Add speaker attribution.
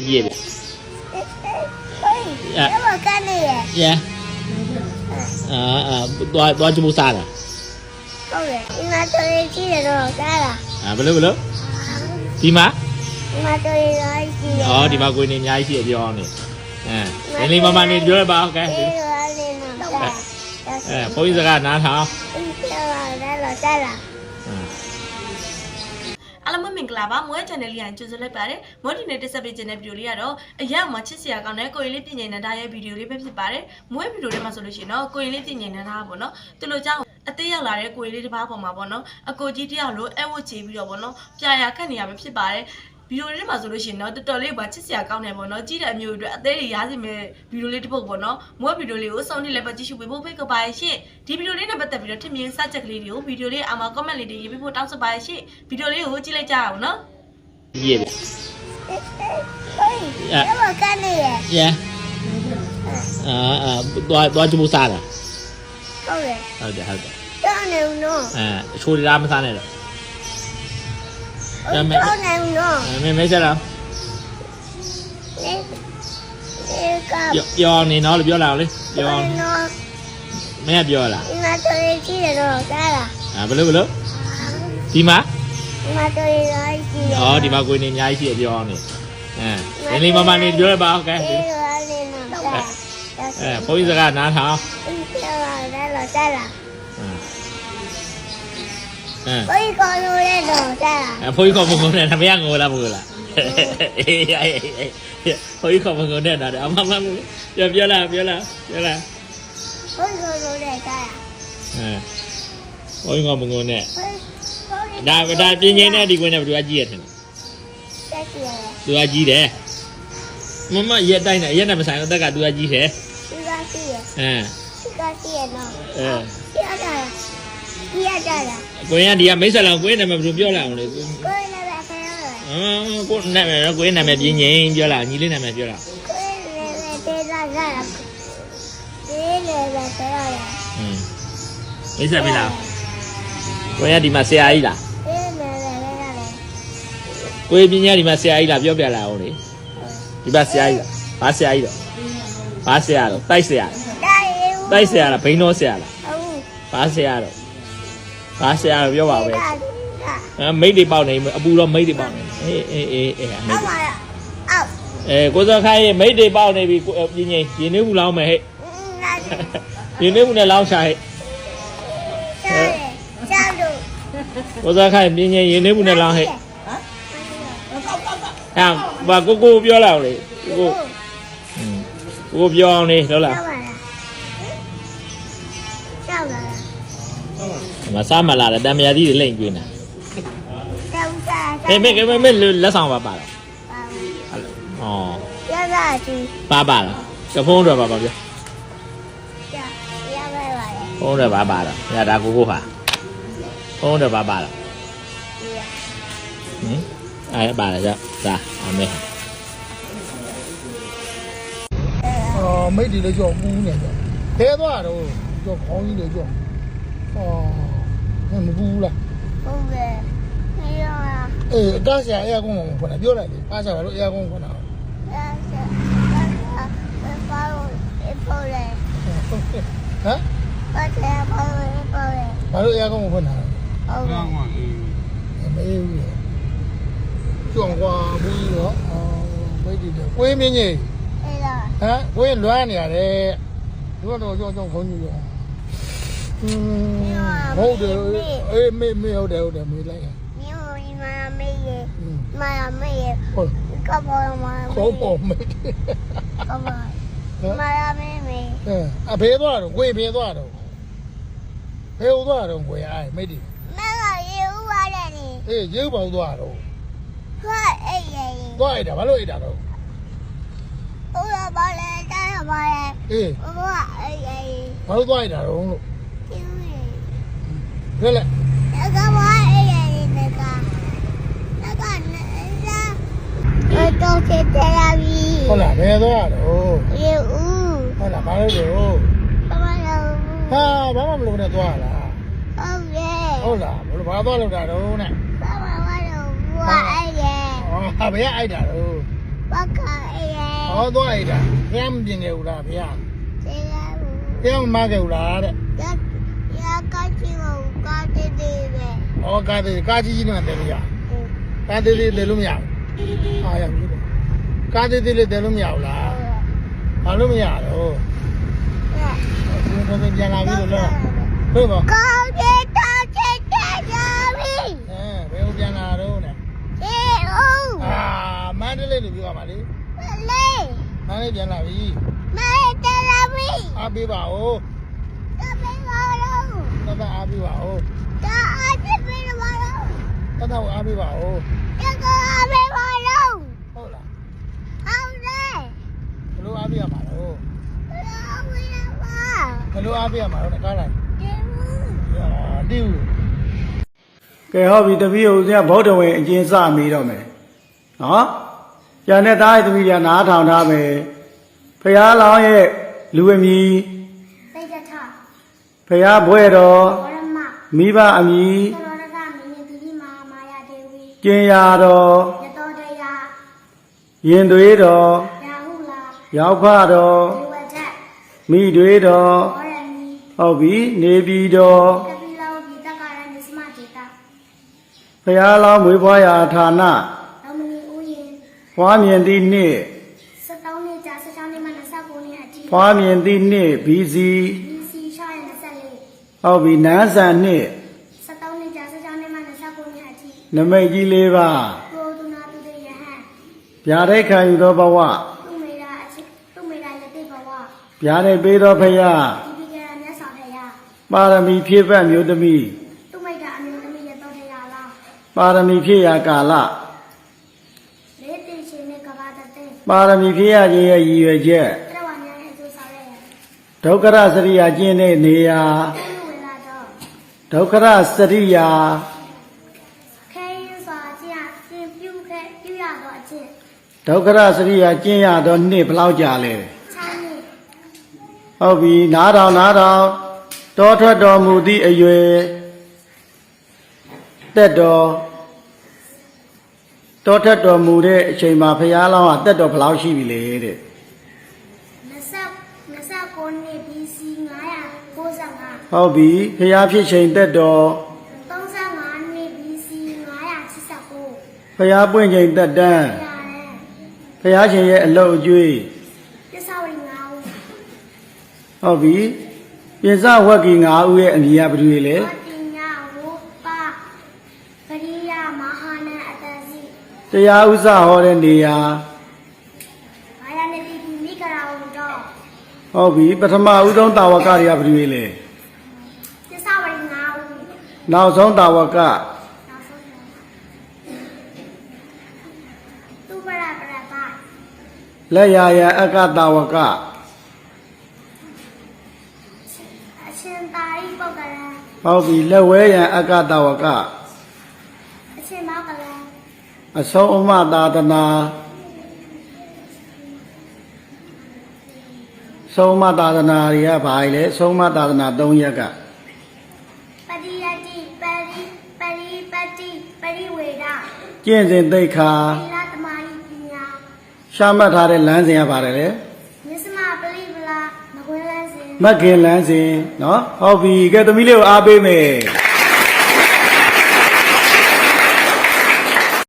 Speaker 1: Yeah. Yeah. Tôi cho mua xa à? Belum. Di mana? Oh, di mana gue ini nyai sih dia ni. Ini mama ni jual apa? Okay. Poin sekarang nak hả?
Speaker 2: အားလုံးမင်္ဂလာပါမွေး channel လေးရကြိုဆိုလိုက်ပါတယ်မွေးဒီနေ့တက်ဆက်ပေးခြင်းတဲ့ဗီဒီယိုလေးကတော့အရာမှာချစ်စရာကောင်းတဲ့ကိုရင်လေးပြင်ញင်နေတာရဲ့ဗီဒီယိုလေးပဲဖြစ်ပါတယ်မွေးဗီဒီယိုထဲမှာဆိုလို့ရှိရင်တော့ကိုရင်လေးပြင်ញင်နေတာပေါ့နော်သူတို့ကြောင့်အသေးရောက်လာတဲ့ကိုရင်လေးတစ်ပါးပေါ်မှာပေါ့နော်အကိုကြီးတယောက်လိုအဲ့ဝတ်ချီပြီးတော့ပေါ့နော်ပြာရခတ်နေရပဲဖြစ်ပါတယ်ဗီဒီယိုလေးမှာဆိုလို့ရှိရင်တော့တော်တော်လေးပါချစ်စရာကောင်းတယ်ပေါ့နော်ကြည့်တဲ့အမျိုးတွေအသေးတွေရားစီမဲ့ဗီဒီယိုလေးတစ်ပုဒ်ပေါ့နော်မွေးဗီဒီယိုလေးကိုစောင့်နေလည်းပဲကြည့်ရှုပေးဖို့ဖိတ်ခေါ်ပါရဲ့ရှင့်ဒီဗီဒီယိုလေးနဲ့ပတ်သက်ပြီးတော့ထင်မြင်စချက်ကလေးတွေကိုဗီဒီယိုလေးအောက်မှာ comment လေးတွေရေးပေးဖို့တောင်းဆိုပါရဲ့ရှင့်ဗီဒီယိုလေးကိုကြည့်လိုက်ကြအောင်နော်
Speaker 1: Yeah. Yeah. Tôi cho mua xa à?ဟုတ်တယ် ချိုးရမစားနဲ့တော့မဲဆက်တော့ပြောနေနော်လို့ပြောလာလေပြောမဲပြောလာဘယ်လိုဒီမှာဒီမှာကိုနေအများကြီးရှိပြောနေလေးမမနေပြောရပါโอเคဘုန်းကြီးစကားနားထောင်ဘုန်းကြီးခေါ်လို့လည်းတော့တာဘုန်းကြီးခေါ်မကုန်နဲ့မရငိုလားမဟုတ်လားဘုန်းကြီးခေါ်မကုန်နဲ့တာအမမပြောလာဘုန်းကြီးခေါ်လို့လည်းတာဘုန်းကြီးခေါ်မကုန်နဲ့ဒါပြင်းငင်းတဲ့ဒီကွင်းနဲ့ဘယ်သူကကြီးရတယ်သူကကြီးတယ်မမရက်တိုင်းနဲ့ရက်နဲ့မဆိုင်အသက်ကသူကကြီးတယ်သူကကြီးရသူကကြီးရနော်ကြီးရတာကိုရင်ဒီကမိတ်ဆက်လောင်ကိုရင်နာမည်ဘယ်လိုပြောလာအောင်လဲကိုရင်နာမည်ဆရာကိုနာမည်ကိုရင်နာမည်ပြင်းငင်းပြောလာညီလေးနာမည်ပြောလာကိုရင်နာမည်ဒေတာကဒီလေပဲဆရာရမိတ်ဆက်ပြီလားကိုရင်ဒီမှာဆရာကြီးလားကိုယ်ပညာဒီမှာဆရာကြီးလားပြောပြလာအောင်လေဒီမှာဆရာကြီးလားဘာဆရာကြီးတော့ဘာဆရာတော့တိုက်ဆရာလားဘိန်းတော်ဆရာလားဘာဆရာတော့ဘာဆရာတော့ပြောပါပဲမိတ်တွေပေါက်နေအပူတော့မိတ်တွေပေါက်နေအေးကိုစောခိုင်းမိတ်တွေပေါက်နေပြီပြင်းငိမ့်ရင်းနှီးမှုလောင်းမယ်ဟဲ့ရင်းနှီးမှုနဲ့လောင်းချဟဲ့ကိုစောခိုင်းပြင်းငိမ့်ရင်းနှီးမှုနဲ့လောင်းဟဲ့ဘာကိုပြောလာအောင်လေကိုပြောအောင်လေဟုတ်လားမစားမလာတယ်တံမြာကြီးတွေလိမ့်ကျွေးနေတာမေလက်ဆောင်ပါတော့ဩရပါကြီးပါလားကဖုံးတော့ပါပြောရပါဖုံးတော့ပါတော့ညဒါကိုဟာဖုံးတော့ပါတော့အဲ့ပါလားကြာအမေ
Speaker 3: မိတ်တွေလည်းကြောက်ပူးနေကြောက်ခဲသွားတော့ကြောက်ခေါင်းကြီးလည်းကြောက်မပူးလားဟုတ်ကဲ့အကားဆရာအရာကုန်းကိုဖွင့်တာပြောလိုက်လေအားစားတော့အရာကုန်းဖွင့်တာဘာလို့အရာကုန်းကိုဖွင့်တာဟုတ်ကဲ့မေးဦးကျွမ်းကွာဘူးရောမိတ်တွေကိုင်းမင်းကြီးကိုင်းလွမ်းနေရတယ်ဒီကတော့ကြောက်ခေါင်းကြီးရောဟုတ်တယ်အေးမေဟုတ်တယ်မေးလိုက်မျိုးမေးဟုတ်ကပေါ်မှာခေါ်ပေါ်မေးကပေါ်မေးအဖေသွားတော့ကိုင်းဖေသွားတော့ဖေသွားတော့ကိုင်းအိုင်မေးတယ်မကရေဦးပါတယ်နေအေးရေဦးပေါသွားတော့ဟုတ်အေးသွားရတာဘာလို့အိတ်တာတော့ဟုတ်လားဘာလဲတားပါလေအေးဘာအေးဘာလို့သွားရတာတော့လို့ဘယ်လဲကဘာအေးတော့ချစ်တယ်လားဟုတ်လားဘယ်သွားတော့ရေဦးဟုတ်လားဘာလို့တော့ဘာမလို့နဲ့သွားလားဟုတ်လားဘာသွားလို့တာတော့နဲ့ဘာလို့အိုက်တယ်ဘယ်အိုက်တာတော့ဘာက
Speaker 4: ဟောသွားရတာဘုရားမပြင်ခဲ့ဘူးလားဘုရား
Speaker 3: ကျေးဇူး
Speaker 4: ဘုရားမမခဲ့ဘူးလားတဲ့
Speaker 3: ရကားချီကိုကားတေးတေးပဲ
Speaker 4: ဟောကားကြီးကြီးနဲ့တယ်လို့ရကားသေးသေးတယ်လို့မရဘူးအားရပြီကားသေးသေးလေးတယ်လို့မရဘူးလားဘာလို့မရတော့ဘယ်ပြန်လာပြီလို့လားဟုတ်ပါ
Speaker 3: ကားတေးတောက်ချစ်တဲ့ကြပြီ
Speaker 4: ဘယ်ပြန်လာတော့နဲ့
Speaker 3: ကျေးဇူး
Speaker 4: မန္တလေးလို့ပြောပါလေ
Speaker 3: လေး
Speaker 4: မန္တလေးပြန်လာပြီ
Speaker 3: မဲတယ်လာပြီ
Speaker 4: အားပေးပါဦး
Speaker 3: တပင်းပါတော့
Speaker 4: တအားပေးပါဦး
Speaker 3: တာအချစ်ပေးပါတော့
Speaker 4: တအားပေးပါဦး
Speaker 3: တကားပေးပါတော့
Speaker 4: ဟုတ်လား
Speaker 3: ဟုတ်တယ်
Speaker 4: ဘယ်လိုအားပေးရမှာတော့
Speaker 3: လာဝေးပါ
Speaker 4: ဘယ်လိုအားပေးရမှာတော့ကားလိုက်
Speaker 3: ကျေးဇူး
Speaker 4: တိူ
Speaker 5: ကဲဟောပြီတပည့်ဦးဇင်းကဗုဒ္ဓဝင်အကျဉ်းစမိတော့မယ်နော်ကျန်တဲ့သားရဲ့တပည့်တွေကနားထောင်ထားမယ်ဖရာလောင်းရဲ့လူအမည်
Speaker 3: သိကြထ
Speaker 5: ဖရာဘွဲ့တော်
Speaker 3: ဝရမ
Speaker 5: မိဘအမည်
Speaker 3: သရောရကမင်းတိတိမာမာယာဒေဝီ
Speaker 5: ကျင်ရာတော်
Speaker 3: ရတောတရာ
Speaker 5: ရင်သွေးတော်
Speaker 3: ရာဟုလာ
Speaker 5: ရောက်ဖတော်
Speaker 3: ဒေဝဒတ်
Speaker 5: မိတွေတော်
Speaker 3: ဝရမီ
Speaker 5: ဟုတ်ပြီနေပြည်တော်
Speaker 3: ကပိလောဘိတကာရနိစမတေတာ
Speaker 5: ဖရာလောင်းမွေးဖွားရာဌာန
Speaker 3: လောမနီဦးရင်
Speaker 5: ဖွားမြင်သည့်နှစ်
Speaker 3: 17နှစ်ကြာ16နှစ်မှ29နှစ်အထိ
Speaker 5: ဖွားမြင်သည့်နှစ် BC
Speaker 3: BC ရှာရ24
Speaker 5: ဟုတ်ပြီနန်းဆန်နှစ်
Speaker 3: 17နှစ်ကြာ16နှစ်မှ29နှစ်အထိ
Speaker 5: နမိတ်ကြီး၄ပါး
Speaker 3: ကိုဒုနာတုတေယဟံ
Speaker 5: ဗျာဒိတ်ခံယူသောဘဝ
Speaker 3: သူမေရာအချစ်သူမေရာယတိဘဝ
Speaker 5: ဗျာဒိတ်ပေးသောဖရာ
Speaker 3: ဒီပိကရမြတ်စွာဘုရား
Speaker 5: ပါရမီဖြည့်ဖက်မျိုးသမီး
Speaker 3: သူမိတ်တာအမျိုးသမီးရတောတရာလား
Speaker 5: ပါရမီဖြည့်ရာကာလ
Speaker 3: လေးသိချင်းနဲ့ကဘာတတဲ့
Speaker 5: ပါရမီဖြည့်ရခြင်းရဲ့ရည်ရွယ်ချက်
Speaker 3: ပြဝညာရဲ့အကျိုးဆောင်ရဲ့
Speaker 5: ဒုက္ခရစရိယာကျင့်တဲ့နေရာ
Speaker 3: သူဝေလာတော့
Speaker 5: ဒုက္ခရစရိယာ
Speaker 3: ခဲရင်စွာကျင့်ပြုခဲ့ပြုရတော့အကျင့်
Speaker 5: ဒုက္ခရစရိယာကျင့်ရသောနှစ်ဘယ်လောက်ကြာလဲ
Speaker 3: 6နှစ်
Speaker 5: ဟုတ်ပြီနားထောင်တောထွက်တော်မူသည့်အရွယ်တက်တော်တောထွက်တော်မူတဲ့အချိန်မှာဖရာလောင်းကတက်တော်ဘယ်လောက်ရှိပြီလဲတဲ့
Speaker 3: 29နှစ် BC 995
Speaker 5: ဟုတ်ပြီဖရာဖြစ်ချိန်တက်တော်
Speaker 3: 35နှစ် BC 989
Speaker 5: ဖရာပွင့်ချိန်တက်တန်း
Speaker 3: ပြရတယ်
Speaker 5: ဖရာရှင်ရဲ့အလုတ်အကျွေး
Speaker 3: ပြစ္ဆဝရီ9ဦး
Speaker 5: ဟုတ်ပြီပြင်စဝက်ကီ9ဦးရဲ့အမည်ကဘယ်သူတွေလဲ
Speaker 3: ဝတ္တိညာဝုပပရိယမဟာနအတ္တစီ
Speaker 5: တရားဥစ္စာဟောတဲ့နေရာ
Speaker 3: ဘာယနေတိမိကရာဝတော့
Speaker 5: ဟုတ်ပြီပထမဦးဆုံးတာဝကတွေကဘယ်သူတွေလဲ
Speaker 3: ပြစ္ဆဝရီ9ဦး
Speaker 5: နောက်ဆုံးတာဝက
Speaker 3: နောက်ဆုံးသူပရပရပါ
Speaker 5: လက်ရာရအကတာဝက
Speaker 3: အရှင်သာရိပုတ္တရာ
Speaker 5: ဟုတ်ပြီလက်ဝဲရန်အကတာဝက
Speaker 3: အရှင်မောကလံ
Speaker 5: အဆုံးအမသာသနာဆုံးမသာသနာတွေကဘာလဲဆုံးမသာသနာ၃ရက်က
Speaker 3: ပရိယတိပရိပတိပရိဝေဒ
Speaker 5: ကျင့်စဉ်သိက္ခာ
Speaker 3: သီလသမာဓိပညာ
Speaker 5: ရှာမှတ်ထားတဲ့လမ်းစဉ်ကပါတယ်လေ
Speaker 3: မြစ္စမပရိပလာမကွေးလန်းစဉ်
Speaker 5: မက်ခင်လမ်းစဉ်နော်ဟုတ်ပြီကဲသမီးလေးကိုအားပေးမယ်